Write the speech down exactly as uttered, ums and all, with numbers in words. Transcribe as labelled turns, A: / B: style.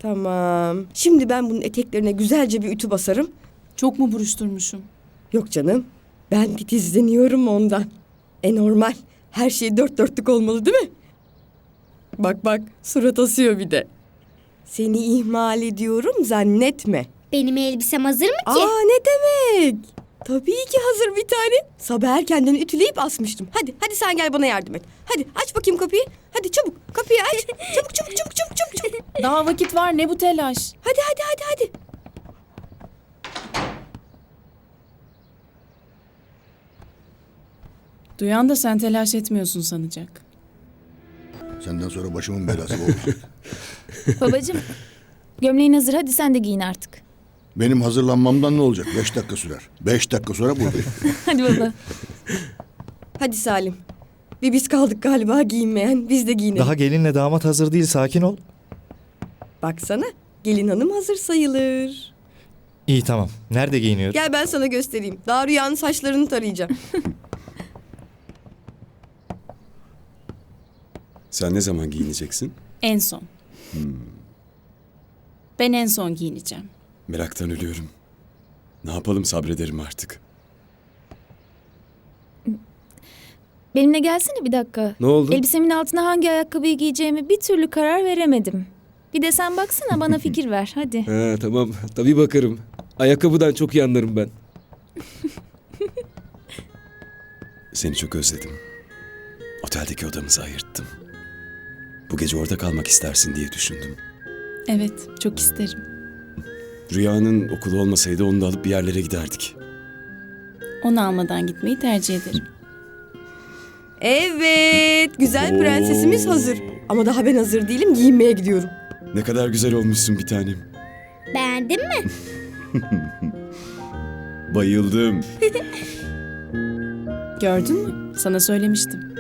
A: Tamam. Şimdi ben bunun eteklerine güzelce bir ütü basarım.
B: Çok mu buruşturmuşum?
A: Yok canım. Ben titizleniyorum ondan. E normal. Her şey dört dörtlük olmalı değil mi? Bak bak surat asıyor bir de. Seni ihmal ediyorum zannetme.
C: Benim elbisem hazır mı ki?
A: Aa ne demek? Tabii ki hazır bir tane. Sabah erkenden ütüleyip asmıştım. Hadi hadi sen gel bana yardım et. Hadi aç bakayım kapıyı. Hadi çabuk kapıyı aç. Çabuk çabuk çabuk çabuk çabuk. çabuk.
B: Daha vakit var, ne bu telaş?
A: Hadi hadi hadi hadi.
B: Duyan da sen telaş etmiyorsun sanacak.
D: Senden sonra başımın belası bu olacak.
E: Babacığım, gömleğin hazır. Hadi sen de giyin artık.
D: Benim hazırlanmamdan ne olacak? Beş dakika sürer. Beş dakika sonra buradayım.
E: Hadi baba.
A: Hadi Salim. Bir biz kaldık galiba giyinmeyen. Biz de giyinelim.
F: Daha gelinle damat hazır değil, sakin ol.
A: Baksana gelin hanım hazır sayılır.
F: İyi tamam. Nerede giyiniyoruz?
A: Gel ben sana göstereyim. Daha Rüya'nın saçlarını tarayacağım.
G: Sen ne zaman giyineceksin?
B: En son. Ben en son giyineceğim.
G: Meraktan ölüyorum. Ne yapalım, sabrederim artık.
E: Benimle gelsene bir dakika.
G: Ne oldu?
E: Elbisemin altına hangi ayakkabıyı giyeceğimi bir türlü karar veremedim. Bir de sen baksana, bana fikir ver hadi.
H: Ha, tamam tabii bakarım. Ayakkabıdan çok iyi anlarım ben.
G: Seni çok özledim. Oteldeki odamızı ayırttım. Bu gece orada kalmak istersin diye düşündüm.
B: Evet, çok isterim.
G: Rüyanın okulu olmasaydı onu da alıp bir yerlere giderdik.
B: Onu almadan gitmeyi tercih ederim.
A: Evet güzel prensesimiz hazır. Ama daha ben hazır değilim giyinmeye gidiyorum.
G: Ne kadar güzel olmuşsun bir tanem.
C: Beğendin mi?
G: Bayıldım.
B: Gördün mü? Sana söylemiştim.